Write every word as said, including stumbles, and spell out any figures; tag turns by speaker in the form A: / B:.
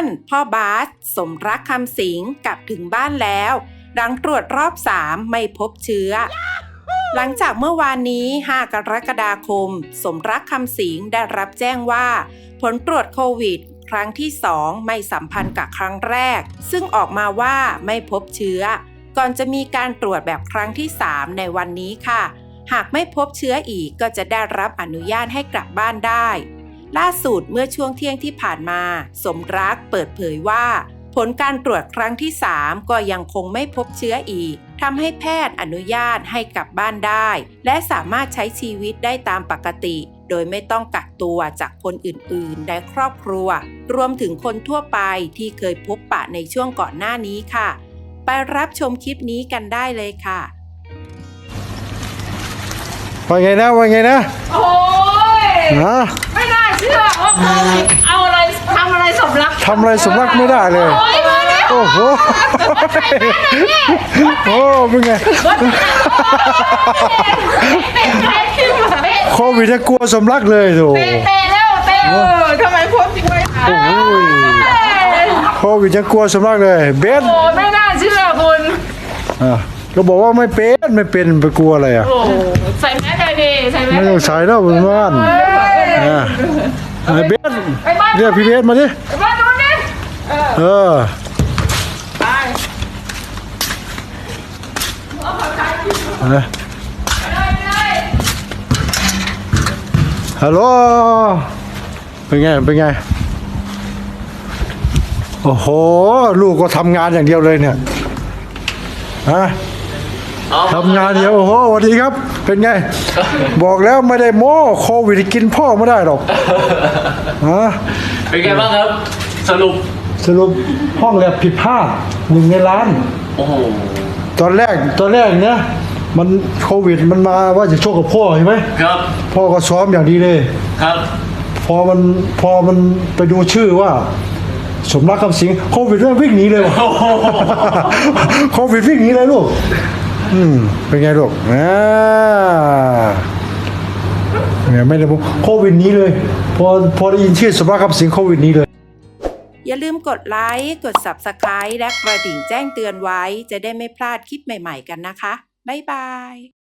A: านพ่อบาสสมรักคำสิงกลับถึงบ้านแล้วหลังตรวจรอบสามไม่พบเชื้อ หลังจากเมื่อวานนี้ห้ากรกฎาคมสมรักคำสิงได้รับแจ้งว่าผลตรวจโควิดครั้งที่สองไม่สัมพันธ์กับครั้งแรกซึ่งออกมาว่าไม่พบเชื้อก่อนจะมีการตรวจแบบครั้งที่สามในวันนี้ค่ะหากไม่พบเชื้ออีกก็จะได้รับอนุญาตให้กลับบ้านได้ล่าสุดเมื่อช่วงเที่ยงที่ผ่านมาสมรักเปิดเผยว่าผลการตรวจครั้งที่สามก็ยังคงไม่พบเชื้ออีกทำให้แพทย์อนุญาตให้กลับบ้านได้และสามารถใช้ชีวิตได้ตามปกติโดยไม่ต้องกักตัวจากคนอื่นๆในครอบครัวรวมถึงคนทั่วไปที่เคยพบปะในช่วงก่อนหน้านี้ค่ะไปรับชมคลิปนี้กันได้เลยค่ะ
B: ว่าไงนะว่าไงนะ
C: โอ้ยไม่น่าเชื่อว่าโควิดเอาอะไรทำอะไรสมรัก
B: ทำอะไรสมรักไม่ได้เลย
C: โอ้ยมาแล้ว
B: โอ้โหโอ้เป็นไงโควิดจะกลัวสมรักเลยโถ
C: เตะเตะแล้วเตะเออทำไมพบจริงไหมโอ้
B: ยโควิดจะกลัวสมรักเลยเบส
C: โอ้ไม่น่าเชื่อคุณ
B: อ่ะก็บอกว่าไม่เป็นไม่เป็นไปกลัวอะไรอ่ะ
C: ใส่แมสเลยดิใส่แมส
B: ไม่ต้องใส่แล้วบนบ้านอ่ะเบสเรียกพี่เบสมาดิ
C: มาดูนี่
B: เออ
C: ไป
B: ฮัลโหลเป็นไงเป็นไงโอ้โหลูกก็ทำงานอย่างเดียวเลยเนี่ยฮะทำงานเดียวโอ้โหสวัสดีครับเป็นไงบอกแล้วไม่ได้โม้โควิดกินพ่อไม่ได้หรอกฮะ
D: เป็นไงบ้างครับสรุป
B: สรุปห้องแลบผิดพลาดหนึ่งในล้าน
D: โอ้โห
B: ตอนแรกตอนแรกเนี่ยมันโควิดมันมาว่าจะโชคกับพ่อใช่ไหม
D: ครับ
B: พ่อก็ซ้อมอย่างดีเลย
D: ครับ
B: พอมันพอมันไปดูชื่อว่าสมรักคำสิงโควิดเรื่องวิ่งหนีเลยว่ะโควิดวิ่งหนีเลยลูกอืมเป็นไงลูกอ่าเนี่ยไม่ได้บอกโควิดนี้เลยพอพอได้ยินชื่อสมรักคำสิงโควิดนี้เลย
A: อย่าลืมกดไลค์กด ซับสไครบ์ และกระดิ่งแจ้งเตือนไว้จะได้ไม่พลาดคลิปใหม่ๆกันนะคะบ๊ายบาย